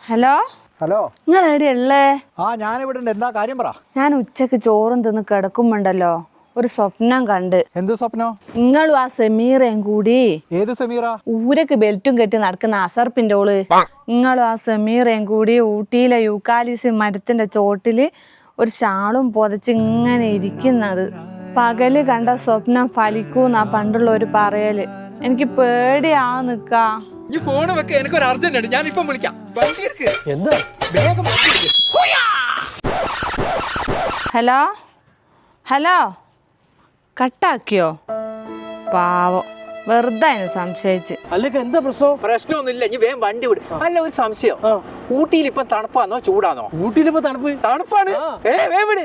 Hello hello, നിങ്ങൾ എവിടെയുള്ളേ? ഞാനിവിടെ ഉണ്ട്. എന്താ കാര്യം പറ. ഞാൻ ഉച്ചക്ക് ചോറും തിന്ന് കിടക്കുമ്പോണ്ടല്ലോ ഒരു സ്വപ്നം കണ്ട്. എന്ത് സ്വപ്നം? നിങ്ങളും ആ സമീറയും കൂടി. ഏത് സമീറ? ഊരക്ക് ബെൽറ്റും കെട്ടി നടക്കുന്ന അസർപ്പിന്റെ ഓള്. നിങ്ങളും ആ സമീറയും കൂടി ഊട്ടിയിലെ യൂക്കാലിസ് മരത്തിന്റെ ചോട്ടില് ഒരു ഷാളും പൊതച്ച് ഇങ്ങനെ ഇരിക്കുന്നത്. പകല് കണ്ട സ്വപ്നം ഫലിക്കൂന്നാ പണ്ടുള്ള ഒരു പറയല്. എനിക്ക് പേടിയാ നിക്കാ. ഫോണ് വെക്ക, എനിക്കൊരു അർജന്റ് ഉണ്ട്. ഞാൻ ഇപ്പം വിളിക്കാം. എന്താ? വേഗം ഹലോ ഹലോ, കട്ടാക്കിയോ? പാവം, വെറുതെ സംശയിച്ച്. അല്ലൊക്കെ എന്താ പ്രശ്നം? പ്രശ്നമൊന്നുമില്ല, ഇനി വേഗം വണ്ടി വിട്. അല്ല, ഒരു സംശയം. ഊട്ടിയിൽ ഇപ്പം തണുപ്പാന്നോ ചൂടാന്നോ? ഊട്ടിയിലിപ്പോ തണുപ്പാണ്. വേഗം വിട്.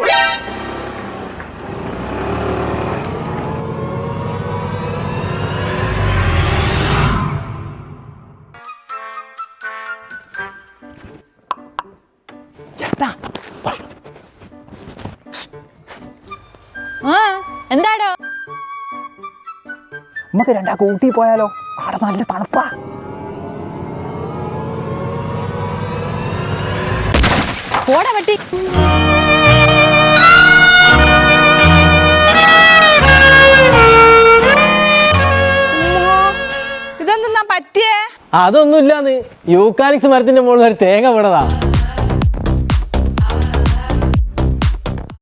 എന്താടോ? നമുക്ക് രണ്ടാൾക്ക് ഊട്ടി പോയാലോ? അവിടെ നല്ല തണുപ്പാ. പോടാ പട്ടി. ഇതെന്താ പറ്റിയേ? അതൊന്നുമില്ലാന്ന് യൂക്കാലിക്സ് മരത്തിന്റെ മുകളിൽ ഒരു തേങ്ങ വീണതാ.